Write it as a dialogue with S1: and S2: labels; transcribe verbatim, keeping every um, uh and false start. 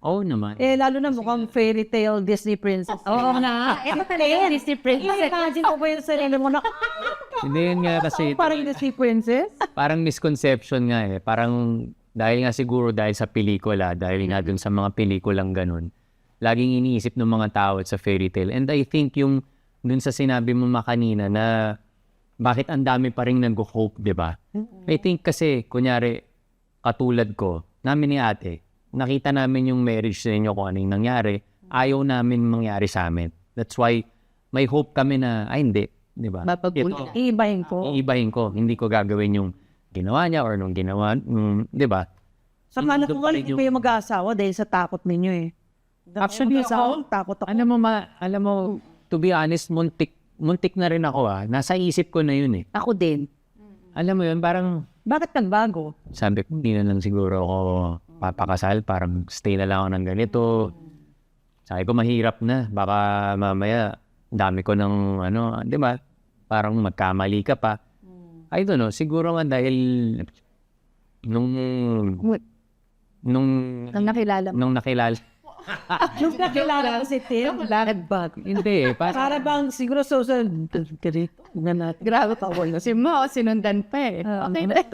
S1: Oo naman.
S2: Eh, lalo na mukhang fairy tale Disney princess.
S3: Oo na. Eh, talaga Disney princess.
S2: Imagine mo ba yung sarili mo na
S1: Hindi yun nga kasi,
S2: parang Disney princess?
S1: parang misconception nga eh. Parang dahil nga siguro dahil sa pelikula, dahil nga dun sa mga pelikulang ganun, laging iniisip ng mga tao sa fairy tale. And I think yung dun sa sinabi mo makanina na bakit ang dami pa rin nag-hope, di ba? I think kasi, kunyari, katulad ko, namin ni ate, nakita namin yung marriage sa inyo kung ano yung nangyari, ayaw namin mangyari sa amin. That's why may hope kami na, ay hindi, di ba?
S2: Mapagpulit. Iibahin ko.
S1: Iibahin ko, hindi ko gagawin yung ginawa niya or nung ginawa, mm, di ba?
S2: Sa mga
S1: Doon pa rin
S2: hindi
S1: yung-
S2: kayo mag-aasawa dahil sa takot ninyo eh.
S1: Actually,
S2: Mag-aasawa,
S1: ako,
S2: takot ako.
S1: alam mo, ma, alam mo, to be honest, muntik, muntik na rin ako ah. Nasa isip ko na yun eh.
S2: Ako din.
S1: Alam mo yun, parang,
S2: Bakit nagbago?
S1: sabi ko, hindi na lang siguro ako papakasal, parang stay na lang ako ng ganito. Sabi ko, mahirap na. Baka mamaya, dami ko ng, ano, di ba? Parang magkamali ka pa. I don't know, siguro nga dahil nung, nung,
S2: Nang nakilala mo.
S1: nung nakilala.
S2: Nung nakilala ko si Tim, nagbago.
S1: Hindi eh, parang,
S2: Para bang siguro social... Grabe ka, wala.
S3: Si Mo, sinundan pa eh.
S2: Ah,
S3: Okay
S2: ano?
S3: na.